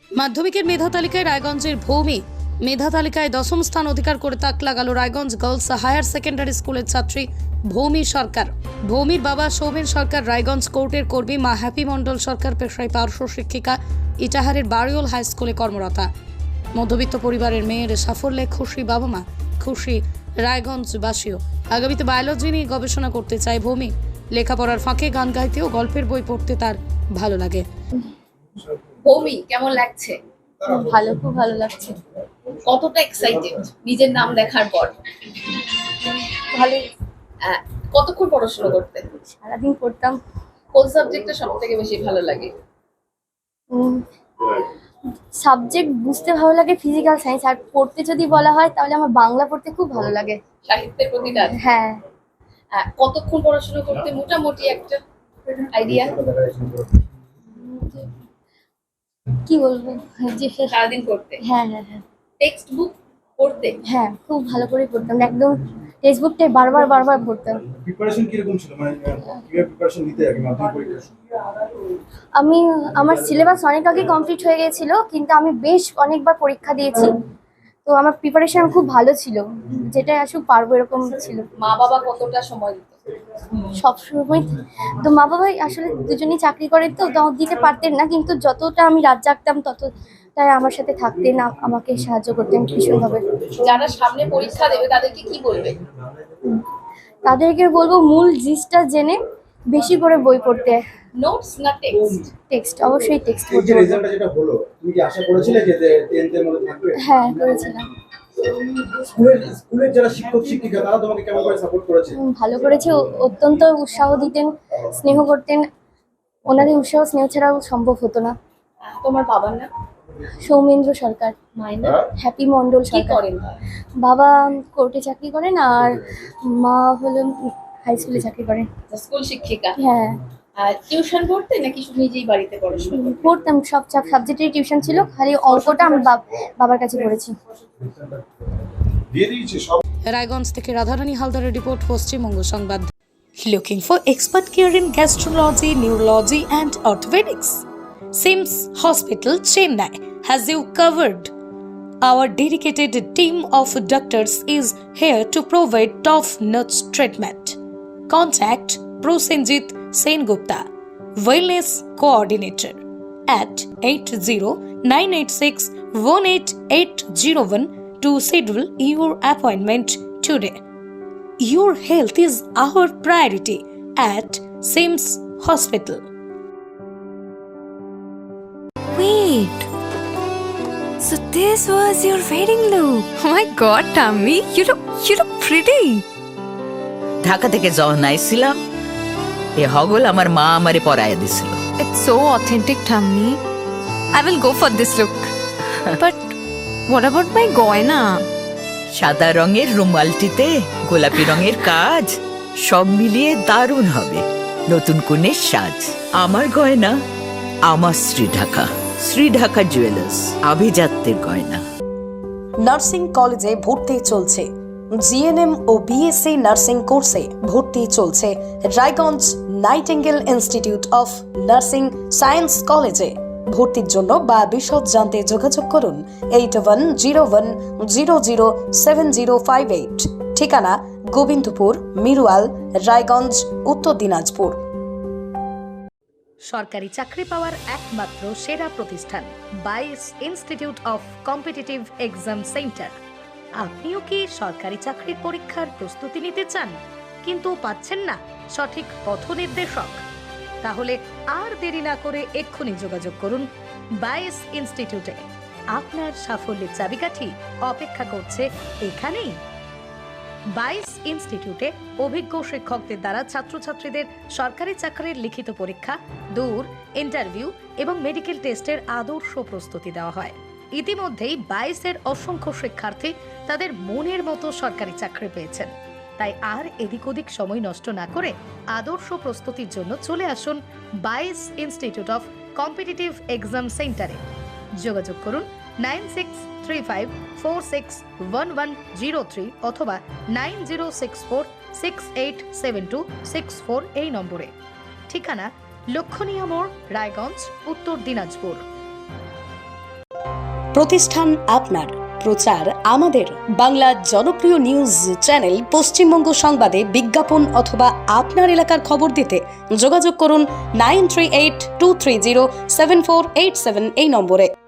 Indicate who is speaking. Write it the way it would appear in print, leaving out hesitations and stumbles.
Speaker 1: মাধ্যমিকের মেধা তালিকায় রায়গঞ্জের ভৌমি মেধা তালিকায় 10ম স্থান অধিকার করে তাক লাগালো রায়গঞ্জ গার্লস হায়ার সেকেন্ডারি স্কুলের ছাত্রী ভৌমি সরকার। ভৌমির বাবা সৌমেন সরকার রায়গঞ্জ কোর্টের কর্মী, মা হ্যাপি মণ্ডল সরকার পেশায় পার্শ্ব শিক্ষিকা, ইটাহারের বাড়িওল হাই স্কুলে কর্মরতা। মধ্যবিত্ত পরিবারের মেয়ের সাফল্যে খুশি বাবা মা, খুশি রায়গঞ্জবাসীও। আগামীতে বায়োলজি নিয়ে গবেষণা করতে চায় ভৌমি। লেখাপড়ার ফাঁকে গান গাইতে ও গল্পের বই পড়তে তার ভালো লাগে।
Speaker 2: ভৌমি, কেমন লাগছে?
Speaker 3: ভালো, খুব ভালো লাগছে।
Speaker 2: কতটা এক্সাইটেড নিজের নাম দেখার পর?
Speaker 3: ভালো।
Speaker 2: কতক্ষণ পড়াশোনা করতে?
Speaker 3: সারাদিন পড়তাম।
Speaker 2: কোন সাবজেক্টটা সব থেকে বেশি ভালো লাগে?
Speaker 3: সাবজেক্ট বুঝতে ভালো লাগে ফিজিক্যাল সায়েন্স, আর পড়তে যদি বলা হয় তাহলে আমার বাংলা পড়তে খুব ভালো লাগে।
Speaker 2: সাহিত্যের প্রতি টান?
Speaker 3: হ্যাঁ।
Speaker 2: কতক্ষণ পড়াশোনা করতে মোটামুটি একটা আইডিয়া?
Speaker 3: কি বলবো, যে
Speaker 2: সারাদিন পড়তে?
Speaker 3: হ্যাঁ হ্যাঁ হ্যাঁ।
Speaker 2: টেক্সট বুক পড়তে?
Speaker 3: হ্যাঁ, খুব ভালো করে পড়তাম, একদম টেক্সট বুকটাই বারবার পড়তাম।
Speaker 4: প্রিপারেশন কি রকম ছিল, মানে কিভাবে প্রিপারেশন নিতে আগে মাধ্যমিক পরীক্ষা?
Speaker 3: আমার সিলেবাস অনেক আগে কমপ্লিট হয়ে গিয়েছিল, কিন্তু আমি বেশ অনেকবার পরীক্ষা দিয়েছি, তো আমার প্রিপারেশন খুব ভালো ছিল, যেটা আসুক পারবো এরকম ছিল।
Speaker 2: মা বাবা কতটা সময় দিত?
Speaker 3: সবসময় তো মা বাবাই আসলে দুজনেই চাকরি করেন, তো দিতে পারতেন না, কিন্তু যতটা আমি রাত জাগতাম ততটাই আমার সাথে থাকতেন, আমাকে সাহায্য করতেন ভীষণভাবে।
Speaker 2: যারা সামনে পরীক্ষা দেবে তাদেরকে কি বলবে?
Speaker 3: তাদেরকে বলবো মূল জিনিসটা জেনে বেশি করে বই পড়তে।
Speaker 2: নোটস না টেক্সট?
Speaker 3: টেক্সট, অবশ্যই টেক্সট
Speaker 4: এই
Speaker 3: পড়তে
Speaker 4: যে
Speaker 3: বলবো।
Speaker 4: রেজাল্টটা যেটা হলো, তুমি কি আশা করেছিলে যে 10th এর মধ্যে থাকবে?
Speaker 3: হ্যাঁ, করেছিলাম।
Speaker 4: স্কুলের যারা শিক্ষক শিক্ষিকা তারা তোমাকে কেমন করে সাপোর্ট করেছে?
Speaker 3: ভালো করেছে, অত্যন্ত উৎসাহ দিতেন, স্নেহ করতেন। ওনাদের উৎসাহ স্নেহ ছাড়াও সম্ভব হতো না।
Speaker 2: তোমার বাবার নাম?
Speaker 3: সৌমেন্দ্র সরকার।
Speaker 2: মায়ের নাম?
Speaker 3: হ্যাপি মণ্ডল
Speaker 2: কি
Speaker 3: সরকার।
Speaker 2: করেন?
Speaker 3: বাবা কোর্টে চাকরি করেন, আর মা হলো হাই স্কুলে চাকরি করেন।
Speaker 2: স্কুল শিক্ষিকা?
Speaker 3: হ্যাঁ।
Speaker 2: টিউশন পড়তে নাকি নিজেই বাড়িতে পড়াশোনা করতে?
Speaker 3: পড়তাম, সব সাবজেক্টেরই টিউশন ছিল, খালি অঙ্কটা আমি বাবার কাছে পড়েছি।
Speaker 1: রায়গঞ্জ থেকে রাধারানী হালদারের রিপোর্ট, পশ্চিমবঙ্গ সংবাদ। Looking for expert care in gastrology, neurology and orthopedics? Sims Hospital, Chennai has you covered. Our dedicated team of doctors is here to provide top-notch treatment. Contact Prosenjit Sengupta, Wellness Coordinator, at 80-986-18801 to schedule your appointment today. Your health is our priority at Sims Hospital.
Speaker 5: Wait. So this was your wedding look. Oh my god, Tammy, you look pretty.
Speaker 6: Dhaka থেকে যখন আইছিলাম এ হগল আমার মা আমারে পরাইয়া দিছিল।
Speaker 5: It's so authentic, Tammy. I will go for this look. But what about my goina?
Speaker 6: সাদা রঙের রুমালটিতে গোলাপি রঙের কাজ, সব মিলিয়ে দারুণ হবে নতুন কনের সাজ। আমার গয়না আমার শ্রী ঢাকা জুয়েলার্স, আভিজাত্যের গয়না।
Speaker 1: নার্সিং কলেজে ভর্তি চলছে। জিএনএম ও বিএসসি নার্সিং কোর্সে ভর্তি চলছে Raiganj Nightingale Institute of Nursing Science কলেজে। ভর্তির জন্য বা বিশদ জানতে যোগাযোগ করুন 8101007058। ঠিকানা গোবিন্দপুর, মিরুয়াল, রায়গঞ্জ, উত্তর দিনাজপুর। সরকারি চাকরি পাওয়ার একমাত্র সেরা প্রতিষ্ঠান 22 Institute of Competitive Exam Centre. আপনিও কি সরকারি চাকরির পরীক্ষার প্রস্তুতি নিতে চান কিন্তু পাচ্ছেন না সঠিক পথ নির্দেশক? তাহলে আর দেরি না করে এক্ষুনি যোগাযোগ করুন 22 ইনস্টিটিউটে। আপনার সাফল্যের চাবিকাঠি অপেক্ষা করছে এখানেই। 22 ইনস্টিটিউটে অভিজ্ঞ শিক্ষকদের দ্বারা ছাত্রছাত্রীদের সরকারি চাকরির লিখিত পরীক্ষা, দূর ইন্টারভিউ এবং মেডিকেল টেস্টের আদর্শ প্রস্তুতি দেওয়া হয়। ইতিমধ্যেই 22-এর অসংখ্য শিক্ষার্থী তাদের মনের মতো সরকারি চাকরি পেয়েছেন। তাই আর এদিক ওদিক সময় নষ্ট না করে আদর্শ প্রস্তুতির জন্য চলে আসুন 22 ইনস্টিটিউট অফ কম্পিটিটিভ এক্সাম সেন্টারে। যোগাযোগ করুন 9635461103 অথবা 9064687264 এই নম্বরে। ঠিকানা লক্ষণীয় মোড়, রায়গঞ্জ, উত্তর দিনাজপুর।
Speaker 7: প্রতিষ্ঠান আপনার, প্রচার আমাদের। বাংলা জনপ্রিয় নিউজ চ্যানেল পশ্চিমবঙ্গ সংবাদে বিজ্ঞাপন অথবা আপনার এলাকার খবর দিতে যোগাযোগ করুন 9382307487 এই নম্বরে।